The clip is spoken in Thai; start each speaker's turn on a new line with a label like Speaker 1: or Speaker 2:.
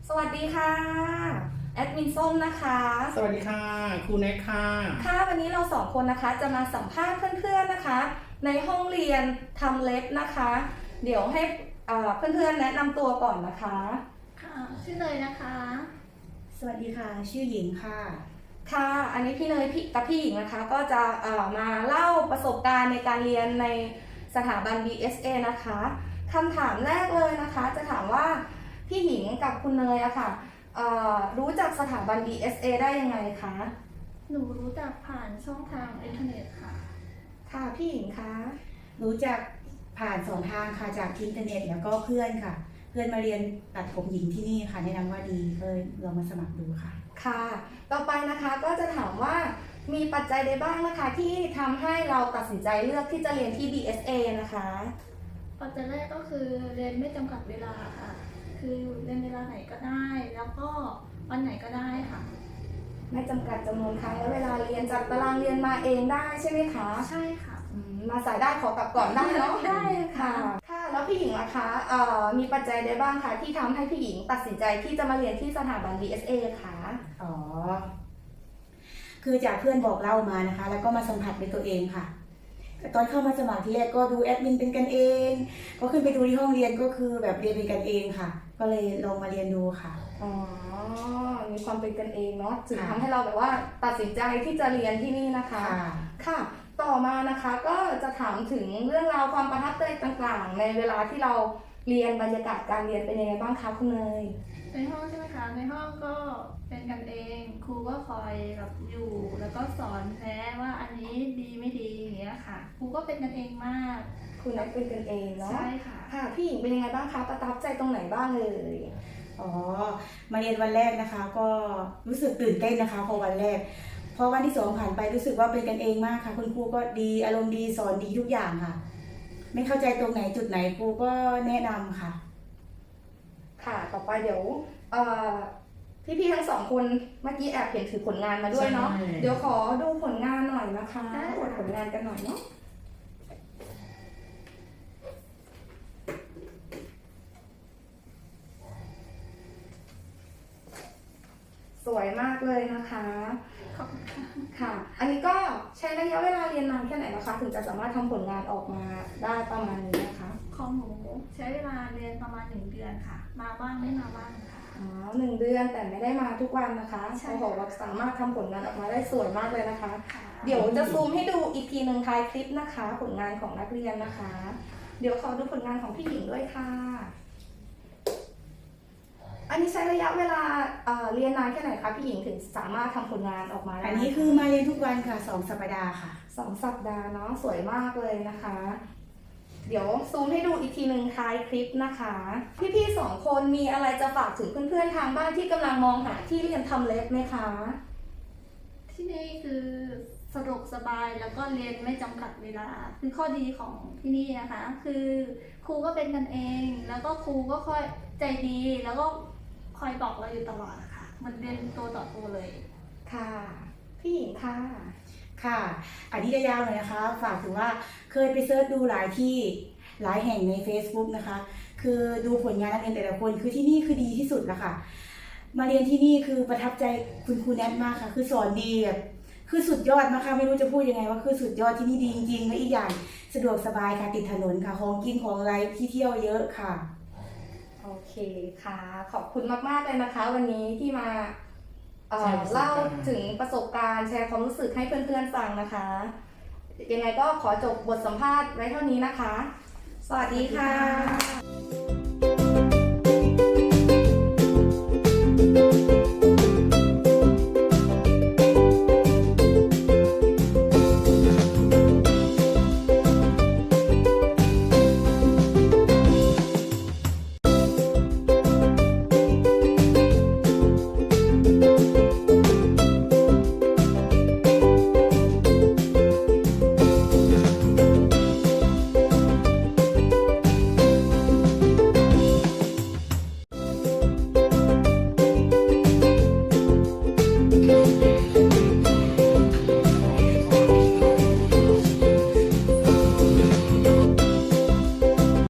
Speaker 1: สวัสดีค่ะแอดมินส้มนะคะ
Speaker 2: สวัสดีค่ะครูแน็กค่ะ
Speaker 1: ค่ะวันนี้เราสองคนนะคะจะมาสัมภาษณ์เพื่อนๆนะคะในห้องเรียนทำเล็บนะคะเดี๋ยวให้เพื่อนๆแนะนำตัวก่อนนะคะ
Speaker 3: ค่ะชื่อเนยนะคะ
Speaker 4: สวัสดีค่ะชื่อหญิงค่ะ
Speaker 1: ค่ะอันนี้พี่เนยกับพี่หญิงนะคะก็จะมาเล่าประสบการณ์ในการเรียนในสถาบัน BSA นะคะคำถามแรกเลยนะคะจะถามว่าพี่หญิงกับคุณเนยอะค่ะรู้จักสถาบัน BSA ได้ยังไงคะ
Speaker 3: หนูรู้จักผ่านช่องทางอินเทอร์เน็ตค่ะ
Speaker 1: ค่ะพี่หญิงคะ
Speaker 4: รู้จักผ่าน2 ทางค่ะจากอินเทอร์เน็ตแล้วก็เพื่อนค่ะ เพื่อนมาเรียนตัดผมหญิงที่นี่ค่ะแนะนำว่าดีก็เลยลองมาสมัครดูค่ะ
Speaker 1: ค่ะต่อไปนะคะก็จะถามว่ามีปัจจัยใดบ้างนะคะที่ทำให้เราตัดสินใจเลือกที่จะเรียนที่ BSA นะคะ
Speaker 3: ปัจจัยแรกก็คือเรียนไม่จำกัดเวลาค่ะคือเรียนเวลาไหนก็ได้แล้วก็วันไหนก็ได้ค่ะ
Speaker 1: ไม่จำกัดจำนวนครั้งและเวลาเรียนจากตารางเรียนมาเองได้ใช่ไหมคะ
Speaker 3: ใช่ค่ะ
Speaker 1: มาสายได้ขอกลับก่อนได้เนาะ
Speaker 3: ได้ค่ะ
Speaker 1: ค่ะแล้วพี่หญิงล่ะคะมีปัจจัยใดบ้างคะที่ทำให้พี่หญิงตัดสินใจที่จะมาเรียนที่สถาบัน BSA คะ
Speaker 4: อ๋อคือจากเพื่อนบอกเล่ามานะคะแล้วก็มาสัมผัสเป็นตัวเองค่ะตอนเข้ามาสมัครที่แรกก็ดูแอดมินเป็นกันเองก็ขึ้นไปดูที่ห้องเรียนก็คือแบบเรียนเป็นกันเองค่ะก็เลยลองมาเรียนดูค่ะ
Speaker 1: อ๋อมีความเป็นกันเองเนาะจึงทำให้เราแบบว่าตัดสินใจที่จะเรียนที่นี่นะคะค่ะต่อมานะคะก็จะถามถึงเรื่องราวความประทับใจต่างๆในเวลาที่เราเรียนบรรยากาศการเรียนเป็นยังไงบ้างคะคุณเนย
Speaker 3: ในห้องใช่ไหมคะในห้องก็เป็นกันเองครูก็คอยแบบอยู่แล้วก็สอนแนะว่าอันนี้ดีไม่ดีอย่างเงี้ยค่ะครูก็เป็นกันเองมาก
Speaker 1: คุณนักเป็นกันเองเนาะ
Speaker 3: ใช่ค่ะ
Speaker 1: ค่ะพี่หญิงเป็นยังไงบ้างคะประทับใจตรงไหนบ้างเลย
Speaker 4: อ๋อมาเรียนวันแรกนะคะก็รู้สึกตื่นเต้นนะคะพอวันแรกพอวันที่2ผ่านไปรู้สึกว่าเป็นกันเองมากค่ะคุณครูก็ดีอารมณ์ดีสอนดีทุกอย่างค่ะไม่เข้าใจตรงไหนจุดไหนครูก็แนะนำค่ะ
Speaker 1: ค่ะต่อไปเดี๋ยวพี่ๆทั้งสองคนเมื่อกี้แอบเห็นถือผลงานมาด้วยเนาะเดี๋ยวขอดูผลงานหน่อยนะคะอวดผลงานกันหน่อยเนาะสวยมากเลยนะคะ
Speaker 3: ขอบคุณค่ะ
Speaker 1: ค่ะอันนี้ก็ใช้ระยะเวลาเรียนนานแค่ไหนนะคะถึงจะสามารถทำผลงานออกมาได้ประมาณนี้นะคะ
Speaker 3: ของหนูใช้เวลาเรียนประมาณ1 เดือนค่ะมาบ้างไม่มาบ้างค่ะ
Speaker 1: อ๋อ1 เดือนแต่ไม่ได้มาทุกวันนะคะโอ้โหเราสามารถทำผลงานออกมาได้สวยมากเลยนะคะเดี๋ยวจะซูมให้ดูอีกทีหนึ่งท้ายคลิปนะคะผลงานของนักเรียนนะคะเดี๋ยวขอดูผลงานของพี่หญิงด้วยค่ะอันนี้ใช้ระยะเวลาเรียนนานแค่ไหนคะพี่หญิงถึงสามารถทำผลงานออกมาได้
Speaker 4: อันนี้คือมาเรียนทุกวันค่ะ2 สัปดาห์ค่ะ
Speaker 1: 2 สัปดาห์เนาะสวยมากเลยนะคะเดี๋ยวซูมให้ดูอีกทีหนึ่งท้ายคลิปนะคะพี่ๆ2 คนมีอะไรจะฝากถึงเพื่อนๆทางบ้านที่กำลังมองหาที่เรียนทำเล็บไหมคะ
Speaker 3: ที่นี่คือสะดวกสบายแล้วก็เรียนไม่จำกัดเวลาคือข้อดีของที่นี่นะคะคือครูก็เป็นกันเองแล้วก็ครูก็ค่อยใจดีแล้วก็คอยบอกเราอยู่ตลอดนะคะมันเรียนตัวต่อตัวเลย
Speaker 1: ค่ะพี่หญิงค่ะ
Speaker 4: ค่ะอันนี้จะยาวหน่อยนะคะฝากถึงว่าเคยไปเซิร์ชดูหลายที่หลายแห่งใน Facebook นะคะคือดูผลงานนักเรียนแต่ละคนคือที่นี่คือดีที่สุดแล้วค่ะมาเรียนที่นี่คือประทับใจคุณครูแนทมากค่ะคือสอนดีแบบคือสุดยอดมากค่ะไม่รู้จะพูดยังไงว่าคือสุดยอดที่นี่ดีจริงๆและอีกอย่างสะดวกสบายค่ะติดถนนค่ะของกินของอะไรที่เที่ยวเยอะค่ะ
Speaker 1: โอเคค่ะขอบคุณมากๆเลยนะคะวันนี้ที่มาเล่าถึงประสบการณ์แชร์ความรู้สึกให้เพื่อนๆฟังนะคะยังไงก็ขอจบบทสัมภาษณ์ไว้เท่านี้นะคะสวัสดีค่ะ